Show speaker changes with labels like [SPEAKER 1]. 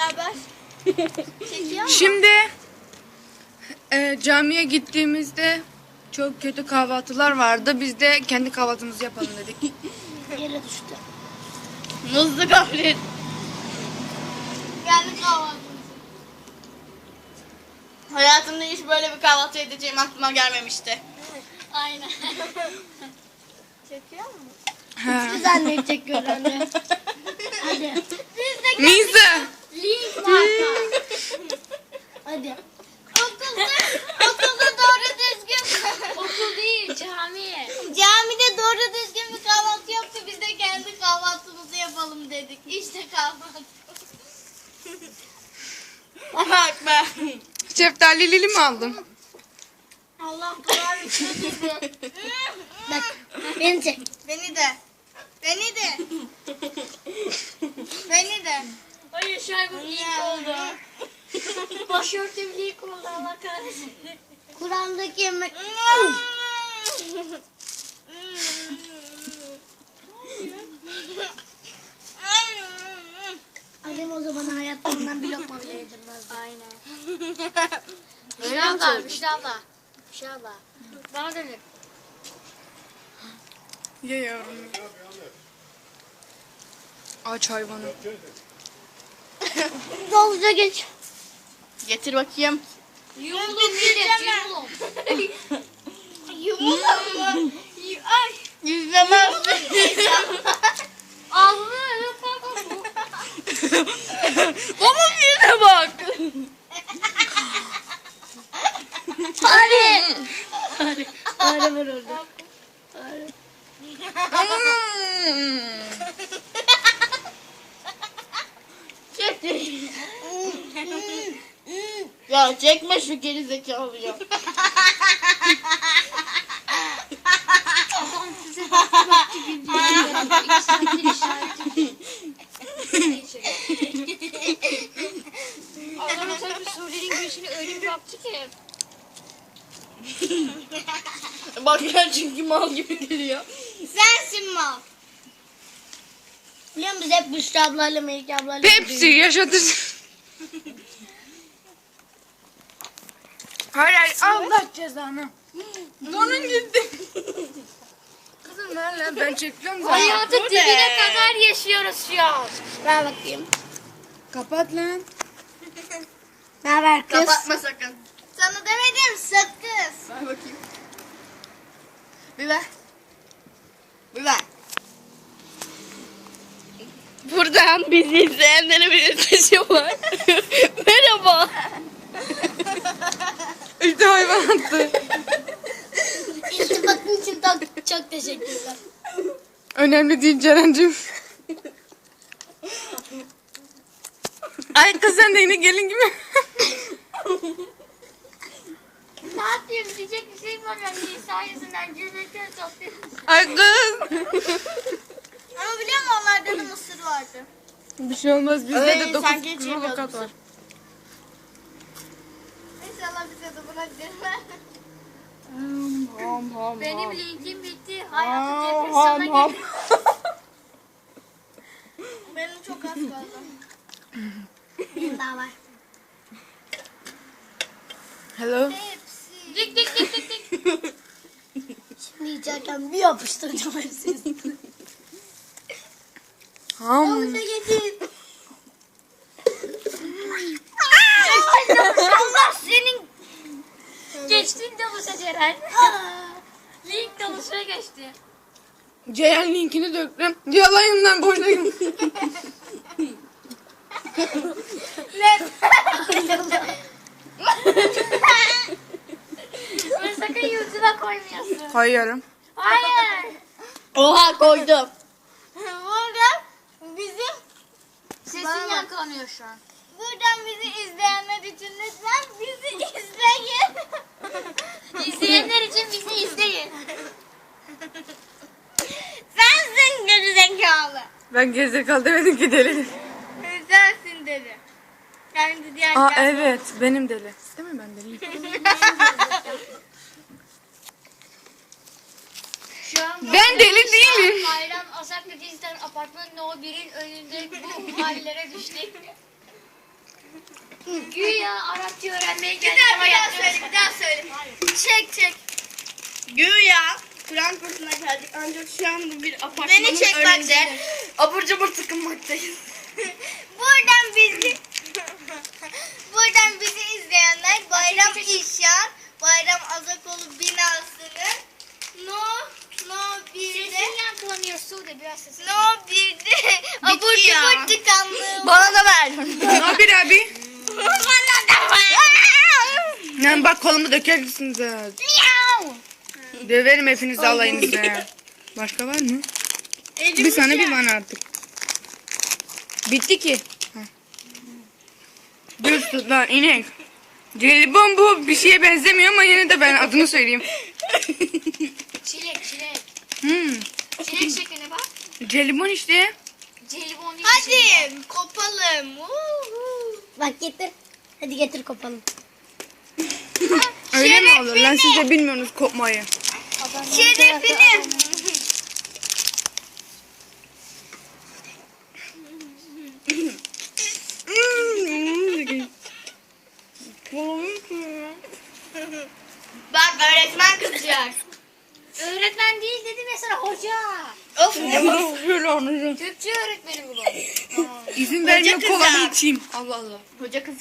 [SPEAKER 1] beraber. Çekiyor mu?
[SPEAKER 2] Şimdi camiye gittiğimizde çok kötü kahvaltılar vardı. Biz de kendi kahvaltımızı yapalım dedik.
[SPEAKER 3] Yere düştü.
[SPEAKER 1] Muzlu gofret. Kendi kahvaltımızı. Hayatımda hiç böyle bir kahvaltı edeceğim aklıma gelmemişti. Aynen. Çekiyor mu?
[SPEAKER 3] Siz anneyi çekiyor anne. Hadi.
[SPEAKER 1] Biz de
[SPEAKER 2] Neyse.
[SPEAKER 3] Link marka. Hadi.
[SPEAKER 1] okulda doğru düzgün.
[SPEAKER 3] Okul değil cami.
[SPEAKER 1] Camide doğru düzgün bir kahvaltı yoktu. Biz de kendi kahvaltımızı yapalım dedik. İşte kahvaltı. Bak ben.
[SPEAKER 2] Şeftalili mi aldım?
[SPEAKER 1] Allah kahretsin bizi.
[SPEAKER 3] Bak beni çek.
[SPEAKER 1] Beni de. Beni de. Beni de.
[SPEAKER 3] Hayır şaybım ilk oldu. Başörtüm ilk oldu Allah kahretsin. Kur'an'daki yemek. Annem o zaman hayatlarından bir lokma bile yedirmezdi. Aynen. Büşra abla. Bana dönün.
[SPEAKER 2] Ye yavrum. Aç hayvanı.
[SPEAKER 3] Havuza geç.
[SPEAKER 1] Getir bakayım.
[SPEAKER 3] Yumulun millet yumulun.
[SPEAKER 1] Yumulun mu? Ay. Yüzlemez.
[SPEAKER 3] Ağzını öyle kalkalım.
[SPEAKER 1] Onun yüzüne bak.
[SPEAKER 3] Hadi. Hadi var orada.
[SPEAKER 1] Ya çekme şu geri zekalıyı.
[SPEAKER 3] Adam size baktı güldü. 2 saattir işareti. Adam tabii Suriye'nin göğsüne öyle bir baktı ki.
[SPEAKER 1] Bak ya çünkü mal gibi geliyor. Sensin mal.
[SPEAKER 3] Biliyor musun biz hep Büşra ablayla Melike ablayla
[SPEAKER 2] Pepsi yaşatır. Hayır Allah cezanı. Donun gitti. Kızım ver lan ben çekiyorum zaten.
[SPEAKER 3] Hayatı
[SPEAKER 1] Bu
[SPEAKER 3] dibine
[SPEAKER 1] ne?
[SPEAKER 3] kadar yaşıyoruz şu an. Ver bakayım.
[SPEAKER 2] Kapat lan.
[SPEAKER 3] Ne haber kız?
[SPEAKER 1] Kapatma sakın. Sana demedim sakız. Ver bakayım. Bir ver. Bir ver. Buradan bizi izleyenlere bir mesajım var. Merhaba.
[SPEAKER 2] İşte hayvan attı.
[SPEAKER 3] İltifatın için çok teşekkürler.
[SPEAKER 2] Önemli değil Ceren'cim. Ay kız sen de yine gelin gibi.
[SPEAKER 3] Ne yapayım diyecek bir şey var ya Nisa yüzünden cümlekleri topluyoruz.
[SPEAKER 2] Ay kız.
[SPEAKER 1] Ama biliyor musun onlarda da mısır vardı.
[SPEAKER 2] Bir şey olmaz bizde
[SPEAKER 1] Ay,
[SPEAKER 2] de 9
[SPEAKER 1] sanki hiç
[SPEAKER 2] kilo
[SPEAKER 1] yemiyordum
[SPEAKER 2] kat var.
[SPEAKER 1] İnşallah bize de bırakırlar.
[SPEAKER 3] Benim linkim bitti. Hayatı depresyona girdi.
[SPEAKER 1] Benim çok az kaldı.
[SPEAKER 3] Daha var.
[SPEAKER 2] Hello.
[SPEAKER 1] Hepsi.
[SPEAKER 3] Dik dik dik dik dik. Şimdi yiyecekken bir yapıştıracağım hepsini.
[SPEAKER 2] Ham.
[SPEAKER 3] Havuza getir.
[SPEAKER 1] Allah senin.
[SPEAKER 3] Geçtin de bu Ceren. Link dalışına geçti.
[SPEAKER 2] Ceyhan linkini döktüm. Yalayından boşuna gitti.
[SPEAKER 3] Bunu sakın yüzüne koymuyorsun.
[SPEAKER 2] Koyuyorum.
[SPEAKER 3] Hayır.
[SPEAKER 1] Oha koydum. Burada bizim
[SPEAKER 3] Sesin yankılanıyor şu an.
[SPEAKER 1] buradan bizi izleyenler için lütfen bizi izleyin.
[SPEAKER 3] İzleyenler için bizi izleyin.
[SPEAKER 1] Sensin gerizekalı.
[SPEAKER 2] Ben gerizekalı demedim ki deli.
[SPEAKER 1] Sensin dedi. Kendi diğer
[SPEAKER 2] Aa evet benim deli. Değil mi ben deliyim?
[SPEAKER 3] Şu an
[SPEAKER 2] Ben deli değilim.
[SPEAKER 3] Hayran Asaklı Dizden apartmanın o birin önünde bu hallere düştük. Güya Arapça öğrenmeye
[SPEAKER 1] Bir
[SPEAKER 3] geldik ama
[SPEAKER 1] daha
[SPEAKER 3] yapmıyoruz.
[SPEAKER 1] söyle, bir daha söyle. Çek. Güya Frankfurt'una geldik ancak şu an bu bir apartmanın
[SPEAKER 2] Beni çek bak
[SPEAKER 1] önünde.
[SPEAKER 2] de. Abur cubur tıkınmaktayız.
[SPEAKER 1] Buradan bizi izleyenler Bayram İşan, Bayram Azakoğlu binasının No 1'de
[SPEAKER 3] Sesin yankılanıyor Sude biraz sesin.
[SPEAKER 1] No 1'de abur
[SPEAKER 2] ya.
[SPEAKER 1] cubur tıkanlığı.
[SPEAKER 2] Bana da ver. Ne yapıyor abi?
[SPEAKER 1] Bana da var.
[SPEAKER 2] Yani bak kolumu dökersiniz ha. Döverim hepinizi alayınızı. Başka var mı? Bir sana bir bana artık. Bitti ki. Heh. Dur tut lan inek. Jelibon bu bir şeye benzemiyor ama yine de ben adını söyleyeyim.
[SPEAKER 3] Çilek.
[SPEAKER 2] Hmm.
[SPEAKER 3] Çilek şekline bak.
[SPEAKER 2] Jelibon işte.
[SPEAKER 3] Jelibon değil. çilek.
[SPEAKER 1] Hadi kopalım.
[SPEAKER 3] Bak getir. Hadi getir kopalım.
[SPEAKER 2] Öyle mi olur? Lan siz de bilmiyorsunuz kopmayı.
[SPEAKER 1] Şerefini. Bak öğretmen kızacak.
[SPEAKER 3] Öğretmen değil dedim ya sana hoca.
[SPEAKER 1] Of.
[SPEAKER 2] Şöyle anlayacağım.
[SPEAKER 3] Türkçe öğretmeni bu.
[SPEAKER 2] İzin vermiyor
[SPEAKER 1] Hoca
[SPEAKER 2] kolamı
[SPEAKER 1] kızar.
[SPEAKER 2] içeyim. Allah Allah.
[SPEAKER 1] Hoca kız.